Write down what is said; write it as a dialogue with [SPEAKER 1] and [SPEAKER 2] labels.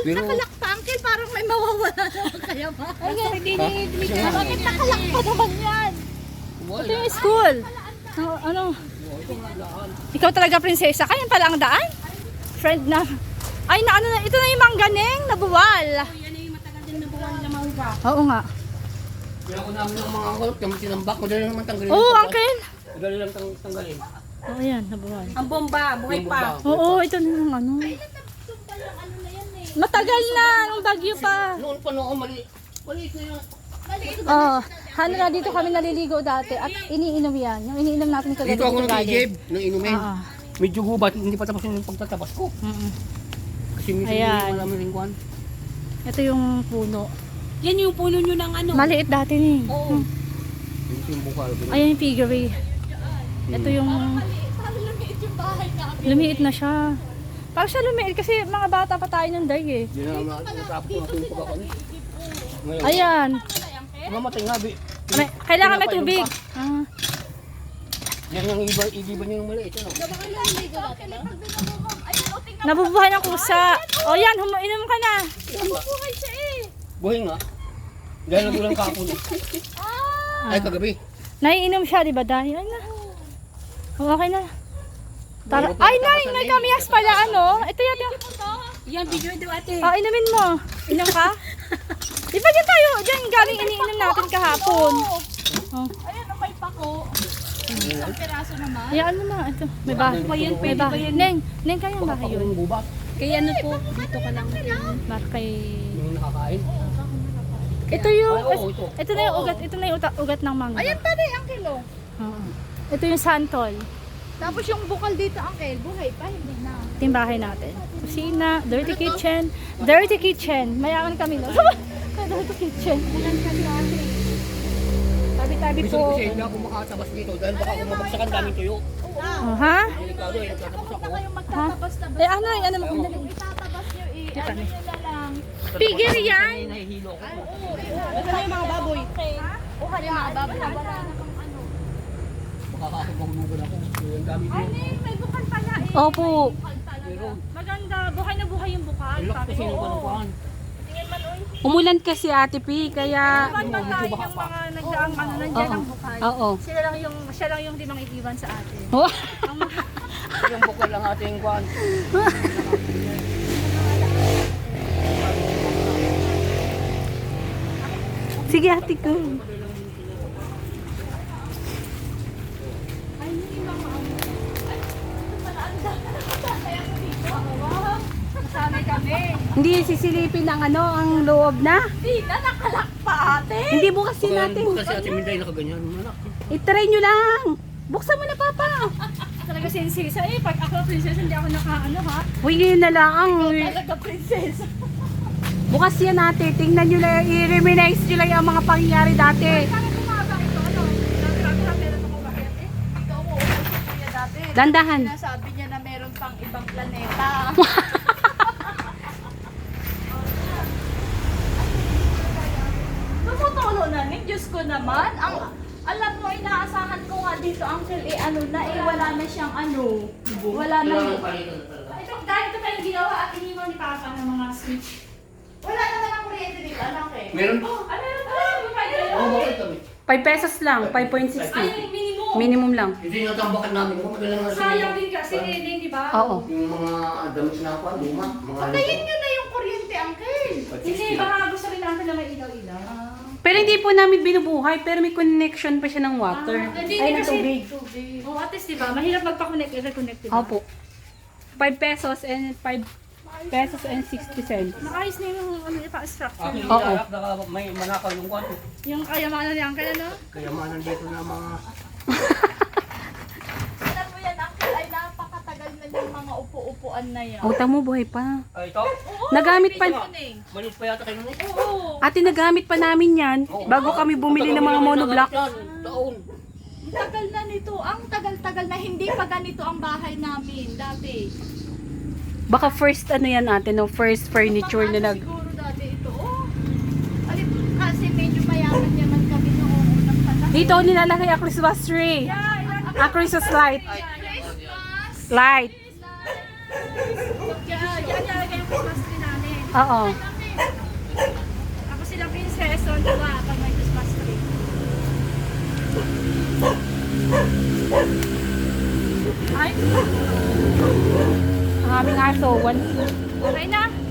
[SPEAKER 1] nakalak pa, Uncle, parang may mawawala naman kaya ba?
[SPEAKER 2] Ay, hindi ni
[SPEAKER 1] Bakit nakalak pa naman yan?
[SPEAKER 2] Ito yung school. Ano? Ikaw talaga prinsesa. Kaya pala ang daan? Friend na. Ay, na ano na. Ito na yung mangganeng nabuwal.
[SPEAKER 1] Yan ay matagal din na buwan na mahuga.
[SPEAKER 2] Oo nga.
[SPEAKER 3] Kaya ko namin ng mga angkol, kami tinambak, madali naman tanggalin.
[SPEAKER 2] Oo, uncle.
[SPEAKER 3] Madali lang tanggalin.
[SPEAKER 2] Oo, yan. Nabuwal.
[SPEAKER 1] Ang bomba, buhay pa.
[SPEAKER 2] Oo, ito na yung ano. Matagal na. Nung bagyo pa.
[SPEAKER 3] Noon pa noon, maliit na yun.
[SPEAKER 2] Oo. Hanra, dito kami naliligo dati. At iniinom yan. Yung iniinom natin kagabi.
[SPEAKER 3] Dito ako nag-igib ng inumin.
[SPEAKER 2] Oo.
[SPEAKER 3] Medyo gubat, hindi pa tapos yung pagtatabas ko. Kasi minsan
[SPEAKER 2] Ayan.
[SPEAKER 3] hindi marami rin kuhan.
[SPEAKER 2] Ito yung puno.
[SPEAKER 1] Yan yung puno nyo ng ano.
[SPEAKER 2] Maliit dati ni.
[SPEAKER 1] Oo.
[SPEAKER 3] Ito yung bukal.
[SPEAKER 2] Ayan yung piggery. Ito yung... Lumiit na siya. Parang siya lumiit kasi mga bata pa tayo ng day eh.
[SPEAKER 3] Hindi na naman natapos ko natin yung pagkakon. Ngayon,
[SPEAKER 2] Ayan.
[SPEAKER 3] mamatay nga, Bi.
[SPEAKER 2] Kailangan may tubig. Ah.
[SPEAKER 3] Yan yung igiban niya yung maliit. Ano?
[SPEAKER 2] Nabubuhay ng kusa. O yan, inom ka na.
[SPEAKER 1] Buhay siya eh.
[SPEAKER 3] Buhay nga. Dahil nagulang kakon. Ay, kagabi.
[SPEAKER 2] Naiinom siya, di ba? Dahil, ay na. O, okay na. Tara. Ay, may kamyas pala, ano? Ito yan yung...
[SPEAKER 1] Yan, video ito ate.
[SPEAKER 2] Oh, inumin mo. Inom ka? Di ba dyan tayo? Dyan galing iniinom natin kahapon. Oh.
[SPEAKER 1] Ayan, may pako. Isang piraso naman.
[SPEAKER 2] Ayan mo na. Ito. May bahay. May bahay. Neng, kayang bahay yun.
[SPEAKER 3] Yung gubat.
[SPEAKER 1] Kaya ano po, dito ka lang.
[SPEAKER 2] Mar kay...
[SPEAKER 3] Yung nakakain.
[SPEAKER 2] Ito yung...
[SPEAKER 3] Ay, oo, ito.
[SPEAKER 2] Ito na yung ugat. Ito na yung ugat ng mangga.
[SPEAKER 1] Ayan pa rin ang kilo.
[SPEAKER 2] Oo. Ito yung santol.
[SPEAKER 1] Tapos yung bukal dito, Uncle, buhay pa, hindi na.
[SPEAKER 2] Ito yung bahay natin. Kusina, dirty kitchen. Dirty kitchen. Mayaman kami, no? Dirty kitchen. Tabi-tabi
[SPEAKER 3] Minsan
[SPEAKER 2] po.
[SPEAKER 3] kasi hindi ako makatabas dito dahil baka kumabagsakan daming tuyo.
[SPEAKER 2] Oh, ha?
[SPEAKER 3] Delikado eh, nagtatabas ako.
[SPEAKER 2] Ha? Eh, ano mo kung dali?
[SPEAKER 1] Tatabas nyo eh,
[SPEAKER 2] Di pa
[SPEAKER 1] ano
[SPEAKER 2] na.
[SPEAKER 1] nyo na lang.
[SPEAKER 2] Pigir yan!
[SPEAKER 3] Nahihilo ako.
[SPEAKER 1] Ito na yung mga baboy. Buhay yung mga baboy. Wala na kang ano.
[SPEAKER 3] Makakakabahulugan ako. Yung dami
[SPEAKER 1] Ay,
[SPEAKER 3] dito.
[SPEAKER 1] may bukal pala eh.
[SPEAKER 2] Opo.
[SPEAKER 3] Pero,
[SPEAKER 2] Maganda. Buhay na buhay yung bukal.
[SPEAKER 3] ilak kasi yung kanukuhan.
[SPEAKER 4] Umulan kasi Ate P, kaya...
[SPEAKER 2] Iwan man tayo yung mga nagdaang ano, nandiyan ang bukal.
[SPEAKER 4] Oo.
[SPEAKER 2] Siya lang yung limang iiwan sa atin.
[SPEAKER 4] Oh.
[SPEAKER 3] Yung bukal lang ating kuhan.
[SPEAKER 4] Sige Ate ko.
[SPEAKER 1] Sanay kami.
[SPEAKER 4] Hindi sisilipin ang ano, ang loob na.
[SPEAKER 1] Di na nakalak pa ate.
[SPEAKER 4] Hindi bukas din natin.
[SPEAKER 3] Bukal si Ate Minday nakaganyan. Manak.
[SPEAKER 4] I-try nyo lang. Buksan mo na Papa.
[SPEAKER 2] Talaga sinsisa eh. Pag ako princess, hindi ako nakaano ha.
[SPEAKER 4] Uy, ngayon na lang.
[SPEAKER 2] Talaga princess.
[SPEAKER 4] Bukas yan natin. Tingnan nyo lang, i-reminisce nyo lang yung mga pangyayari dati.
[SPEAKER 2] Bakit bumaba ito? Ano? Grabe meron ako bakit eh.
[SPEAKER 1] Ikaw mo, kuya dati.
[SPEAKER 4] Dandahan.
[SPEAKER 1] Nasabi niya na meron pang ibang planeta. Tumutulo na ni Diyos ko naman. Alam mo, inaasahan ko nga dito, Uncle, eh ano na, eh wala na siyang ano. Wala na.
[SPEAKER 2] Ito, dahil ito tayong ginawa at iniwan ni Papa ng mga switch.
[SPEAKER 1] Wala naman ang kuryente dito, anak eh.
[SPEAKER 3] Meron pa?
[SPEAKER 2] Ah, meron pa lang.
[SPEAKER 3] Oo, bakit kami?
[SPEAKER 4] 5 pesos lang, 5.60.
[SPEAKER 2] Ay, yung minimum.
[SPEAKER 4] Minimum lang.
[SPEAKER 3] Hindi natambakan namin. Kung madala nga
[SPEAKER 2] Sayang din kasi, di ba?
[SPEAKER 4] Oo.
[SPEAKER 3] Yung mga damit na ako, luma. Mga
[SPEAKER 1] Patayin nyo na yung kuryente, Uncle.
[SPEAKER 2] Hindi, baka gusto rin natin na may ilaw-ilaw.
[SPEAKER 4] Pero hindi po namin binubuhay, pero may connection pa siya ng water.
[SPEAKER 2] Hindi,
[SPEAKER 4] Ay, ng
[SPEAKER 2] kasi,
[SPEAKER 4] tubig.
[SPEAKER 2] oh, at least, di ba? Mahirap magpa-connect, i-reconnect, di ba?
[SPEAKER 4] Opo. 5 pesos and 5 pesos and 60 cents.
[SPEAKER 2] Maayos na yung ano, structure.
[SPEAKER 3] Aking
[SPEAKER 4] Oo.
[SPEAKER 3] ilalak, may manakaw yung kwan.
[SPEAKER 2] Yung kayamanan ni Uncle, ano?
[SPEAKER 3] Kayamanan dito na mga...
[SPEAKER 1] Alam mo yan, Uncle, ay napakatagal na yung mga upo-upuan na yan.
[SPEAKER 4] Utang mo, buhay pa.
[SPEAKER 3] Ay, ito?
[SPEAKER 4] Nagamit pa,
[SPEAKER 3] Maliit pa yata kayo nun eh.
[SPEAKER 1] Oo.
[SPEAKER 4] ate nagamit pa namin yan bago kami bumili ng mga monoblock.
[SPEAKER 3] Taon.
[SPEAKER 1] Tagal na nito. Ang tagal-tagal na hindi pa ganito ang bahay namin dati.
[SPEAKER 4] Baka first ano yan ate, no? First furniture na nag...
[SPEAKER 1] Siguro dati ito. Oh. Alip, kasi medyo mayaman naman kami noong unang panahon.
[SPEAKER 4] Dito nilalagay ang Christmas tree. A Christmas light.
[SPEAKER 1] Christmas!
[SPEAKER 4] Light.
[SPEAKER 2] Yan, yan yung Christmas tree namin.
[SPEAKER 4] Oo.
[SPEAKER 2] Ako sila princess, so diba, pag may Christmas tree. Ay,
[SPEAKER 4] Ang aming aso,
[SPEAKER 2] okay na.